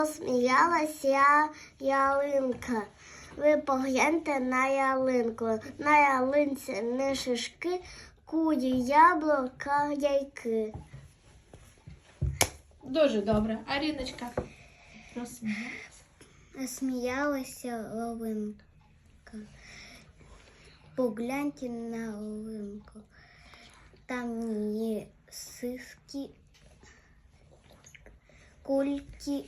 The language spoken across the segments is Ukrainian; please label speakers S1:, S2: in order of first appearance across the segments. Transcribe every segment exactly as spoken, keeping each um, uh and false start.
S1: Сміялася ялинка. Ви погляньте на ялинку. На ялинці не шишки, куді, яблука, яйки.
S2: Дуже добре. Аріночка розсміялася.
S1: Сміялася ялинка. Погляньте на ялинку. Там є сиски, кульки,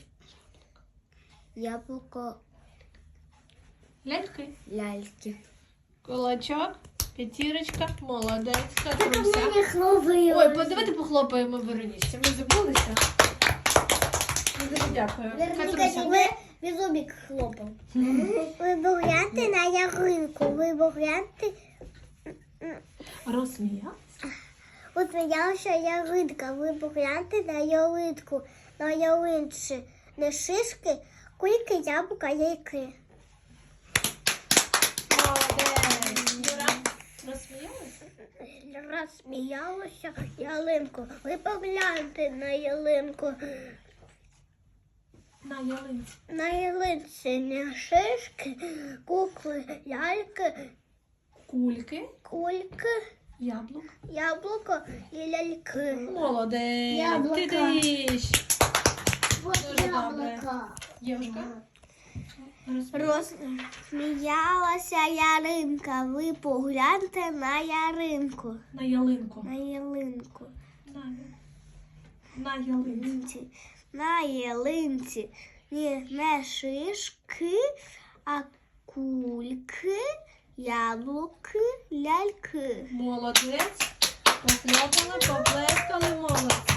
S1: яблуко,
S2: Ляльки.
S1: ляльки.
S2: Кулачок, п'ятірочка, молодець. Катруся.
S1: хлопаю.
S2: Ой, давайте похлопаємо Веронічці. Ми забулися. Дуже дякую. Катруся.
S1: Ви, ви зубик хлопав. Ви погляньте на ялинку. Ви погляньте.
S2: Розсміялася.
S1: От сміялася ялинка. Ви погляньте на ялинку. На ялинці не шишки, кульки, яблука, яйки.
S2: Молодець. Юра, розсміялася?
S1: Розсміялася ялинку. Ви погляньте на ялинку.
S2: На ялинці.
S1: На ялинці не шишки, кукли, ляльки,
S2: Кульки,
S1: кульки,
S2: яблук.
S1: яблуко і ляльки.
S2: Молодець.
S1: Яблука.
S2: Ти даєш.
S1: Ось
S2: Дуже добре. Євушка.
S1: Розсміялася ялинка. Ви погляньте на ялинку.
S2: На ялинку.
S1: На ялинку.
S2: На, на ялинці.
S1: На ялинці ні, не шишки, а кульки, яблуки, ляльки.
S2: Молодець. Похлопали, поплескали, молодці.